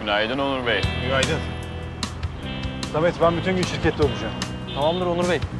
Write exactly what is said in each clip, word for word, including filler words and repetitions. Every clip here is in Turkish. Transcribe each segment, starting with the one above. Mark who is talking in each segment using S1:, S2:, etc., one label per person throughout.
S1: Günaydın Onur Bey.
S2: Günaydın. Samet, ben bütün gün şirkette olacağım.
S3: Tamamdır Onur Bey.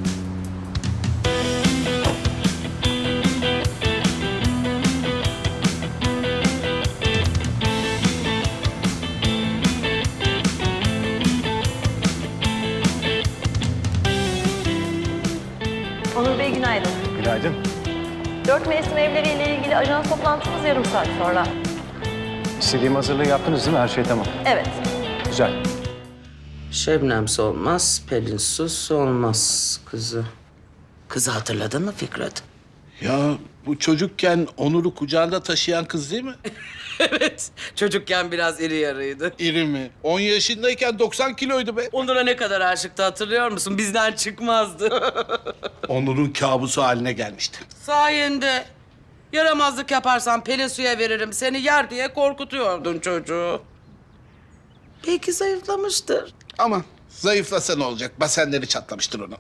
S4: Onur Bey günaydın.
S2: Günaydın.
S4: Dört mevsim evleriyle ilgili ajans toplantımız yarım saat sonra.
S2: İstediğim hazırlığı yaptınız değil mi? Her şey tamam.
S4: Evet.
S2: Güzel.
S5: Şebnemsiz olmaz, Pelinsuz olmaz kızı. Kızı hatırladın mı Fikret?
S6: Ya bu çocukken Onur'u kucağında taşıyan kız değil mi?
S5: Evet, çocukken biraz iri yarıydı.
S6: İri mi? On yaşındayken doksan kiloydu be.
S5: Onur'a ne kadar aşıktı hatırlıyor musun? Bizden çıkmazdı.
S6: Onur'un kabusu haline gelmişti.
S5: Sayende. Yaramazlık yaparsan Pelin suya veririm seni yer diye korkutuyordun çocuğu. Belki zayıflamıştır.
S6: Ama zayıflasa ne olacak? Basenleri çatlamıştır onu.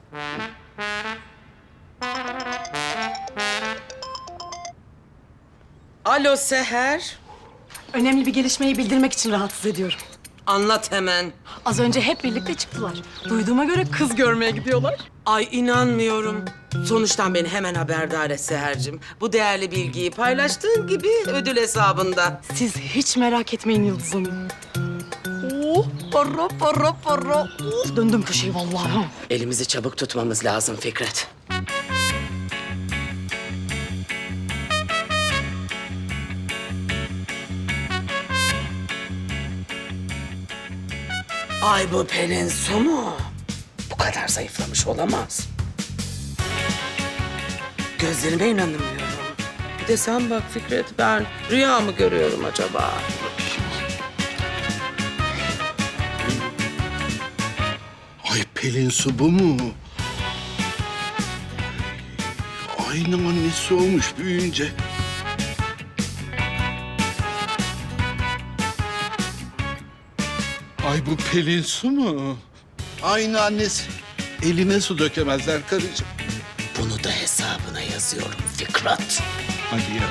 S5: Alo Seher.
S7: Önemli bir gelişmeyi bildirmek için rahatsız ediyorum.
S5: Anlat hemen.
S7: Az önce hep birlikte çıktılar. Duyduğuma göre kız görmeye gidiyorlar.
S5: Ay inanmıyorum. Sonuçtan beni hemen haberdar et Seher'cim. Bu değerli bilgiyi paylaştığın gibi ödül hesabında.
S7: Siz hiç merak etmeyin Yıldız Hanım. Oh, para para para. Oh, döndüm köşeyi vallahi.
S5: Elimizi çabuk tutmamız lazım Fikret. Ay bu Pelin su mu? Bu kadar zayıflamış olamaz. Gözlerime inanamıyorum. Bir de sen bak Fikret, ben rüya mı görüyorum acaba?
S6: Ay Pelin su bu mu? Aynı annesi olmuş büyüyünce. Ay bu Pelin su mu? Aynı annesi. Eline su dökemezler karıcığım.
S5: Bunu da hesabına yazıyorum Fikret.
S6: Hadi ya.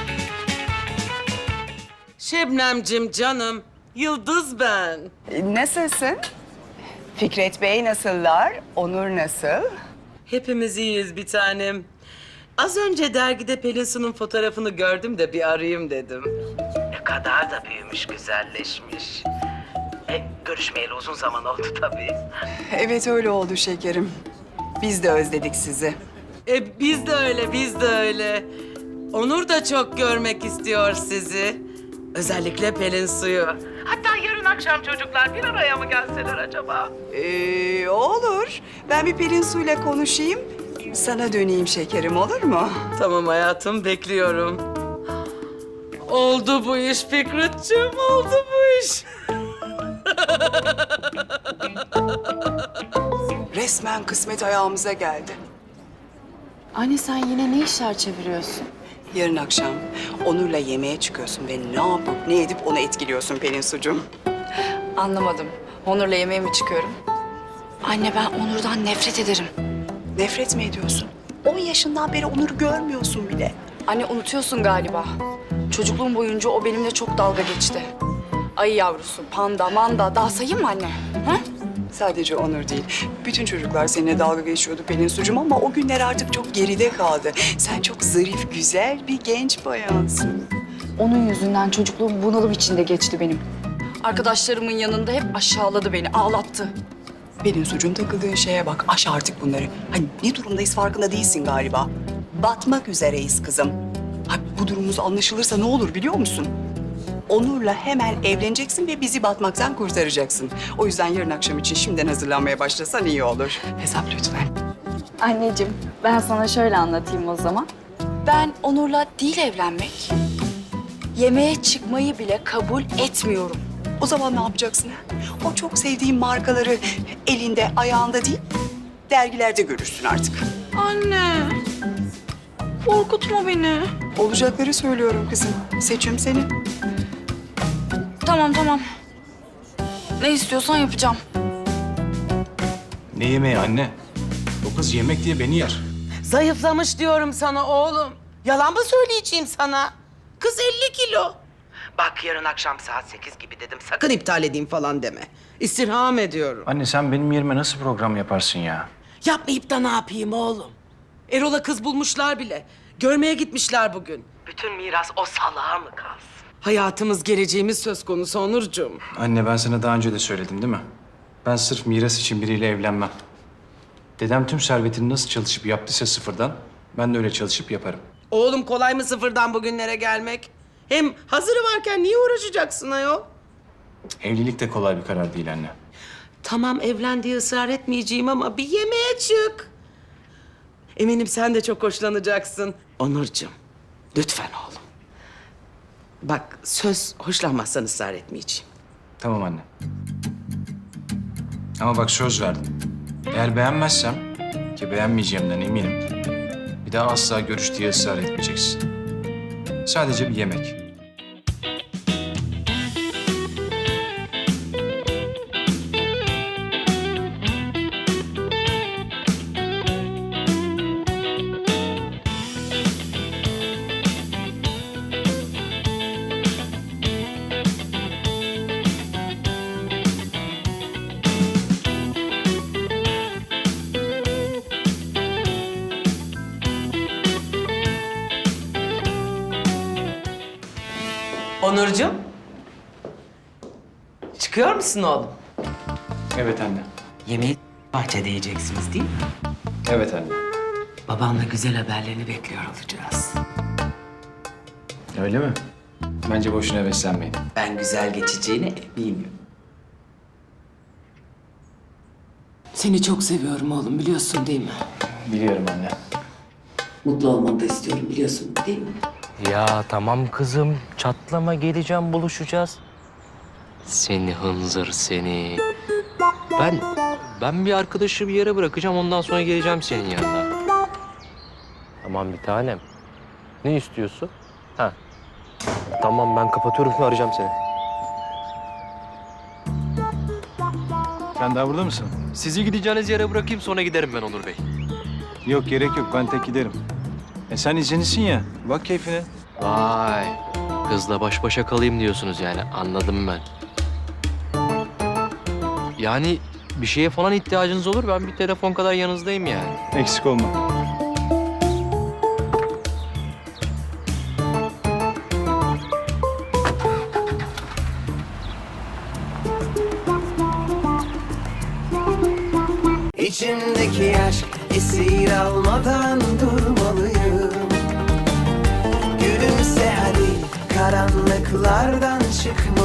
S5: Şebnemcim canım, Yıldız ben.
S8: Nasılsın? Fikret Bey nasıllar? Onur nasıl?
S5: Hepimiz iyiyiz bir tanem. Az önce dergide Pelin Su'nun fotoğrafını gördüm de bir arayayım dedim. Ne kadar da büyümüş, güzelleşmiş. E, görüşmeyeli uzun zaman oldu tabii.
S8: Evet öyle oldu şekerim. Biz de özledik sizi.
S5: E, biz de öyle, biz de öyle. Onur da çok görmek istiyor sizi. Özellikle Pelin Su'yu. Hatta yarın akşam çocuklar bir araya mı gelseler acaba?
S8: Ee, olur. Ben bir Pelin Su'yla konuşayım. Sana döneyim şekerim, olur mu?
S5: Tamam hayatım, bekliyorum. Oldu bu iş Fikretciğim, oldu bu iş.
S8: Resmen kısmet ayağımıza geldi.
S9: Anne sen yine ne işler çeviriyorsun?
S8: Yarın akşam Onur'la yemeğe çıkıyorsun ve ne yapıp ne edip onu etkiliyorsun Pelin Su'cum.
S9: Anlamadım. Onur'la yemeğe mi çıkıyorum? Anne ben Onur'dan nefret ederim.
S8: Nefret mi ediyorsun? On yaşından beri Onur'u görmüyorsun bile.
S9: Anne unutuyorsun galiba. Çocukluğum boyunca o benimle çok dalga geçti. Ayı yavrusu, panda, manda daha sayayım mı anne? Ha?
S8: Sadece Onur değil. Bütün çocuklar seninle dalga geçiyordu Pelin Su'cum ama o günler artık çok geride kaldı. Sen çok zarif, güzel bir genç bayansın.
S9: Onun yüzünden çocukluğum bunalım içinde geçti benim. Arkadaşlarımın yanında hep aşağıladı beni, ağlattı.
S8: Pelin Su'cum takıldığın şeye bak. Aş artık bunları. Hani ne durumdayız farkında değilsin galiba. Batmak üzereyiz kızım. Ha, bu durumumuz anlaşılırsa ne olur biliyor musun? Onur'la hemen evleneceksin ve bizi batmaktan kurtaracaksın. O yüzden yarın akşam için şimdiden hazırlanmaya başlasan iyi olur. Hesap lütfen.
S9: Anneciğim ben sana şöyle anlatayım o zaman. Ben Onur'la değil evlenmek, yemeğe çıkmayı bile kabul etmiyorum.
S8: O zaman ne yapacaksın? O çok sevdiğin markaları elinde, ayağında değil, dergilerde görürsün artık.
S9: Anne, korkutma beni.
S8: Olacakları söylüyorum kızım. Seçim senin.
S9: Tamam tamam. Ne istiyorsan yapacağım.
S2: Ne yemeği anne? O kız yemek diye beni yer.
S5: Zayıflamış diyorum sana oğlum. Yalan mı söyleyeceğim sana? Kız elli kilo. Bak yarın akşam saat sekiz gibi dedim. Sakın iptal edeyim falan deme. İstirham ediyorum.
S2: Anne sen benim yerime nasıl program yaparsın ya?
S5: Yapmayıp da ne yapayım oğlum? Erol'a kız bulmuşlar bile. Görmeye gitmişler bugün. Bütün miras o salağa mı kalsın? Hayatımız, geleceğimiz söz konusu Onurcuğum.
S2: Anne ben sana daha önce de söyledim değil mi? Ben sırf miras için biriyle evlenmem. Dedem tüm servetini nasıl çalışıp yaptıysa sıfırdan, ben de öyle çalışıp yaparım.
S5: Oğlum kolay mı sıfırdan bugünlere gelmek? Hem hazırı varken niye uğraşacaksın ayol?
S2: Evlilik de kolay bir karar değil anne.
S5: Tamam evlen diye ısrar etmeyeceğim ama bir yemeğe çık. Eminim sen de çok hoşlanacaksın. Onurcuğum, lütfen oğlum. Bak söz hoşlanmazsan ısrar etmeyeceğim.
S2: Tamam anne. Ama bak söz verdim. Eğer beğenmezsem, ki beğenmeyeceğimden eminim, bir daha asla görüş diye ısrar etmeyeceksin. Sadece bir yemek.
S5: Onurcuğum. Çıkıyor musun oğlum?
S2: Evet anne.
S5: Yemeği bahçede yiyeceksiniz değil mi?
S2: Evet anne.
S5: Babanla güzel haberlerini bekliyor olacağız.
S2: Öyle mi? Bence boşuna heveslenmeyin.
S5: Ben güzel geçeceğine eminim. Seni çok seviyorum oğlum biliyorsun değil mi?
S2: Biliyorum anne.
S5: Mutlu olmanı da istiyorum biliyorsun değil mi?
S1: Ya tamam kızım, çatlama geleceğim, buluşacağız. Seni hınzır seni. Ben, ben bir arkadaşı bir yere bırakacağım, ondan sonra geleceğim senin yanına. Tamam bir tanem. Ne istiyorsun? Ha. Tamam ben kapatıyorum, şimdi arayacağım seni.
S2: Sen daha burada mısın?
S1: Sizi gideceğiniz yere bırakayım, sonra giderim ben Onur Bey.
S2: Yok gerek yok, ben tek giderim. E sen izinlisin ya, bak keyfine.
S1: Vay, kızla baş başa kalayım diyorsunuz yani, anladım ben. Yani bir şeye falan ihtiyacınız olur, ben bir telefon kadar yanınızdayım yani.
S2: Eksik olma.
S3: İçimdeki aşk esir almadan durmalıyım. Gülümse hadi karanlıklardan çıkmalıyım.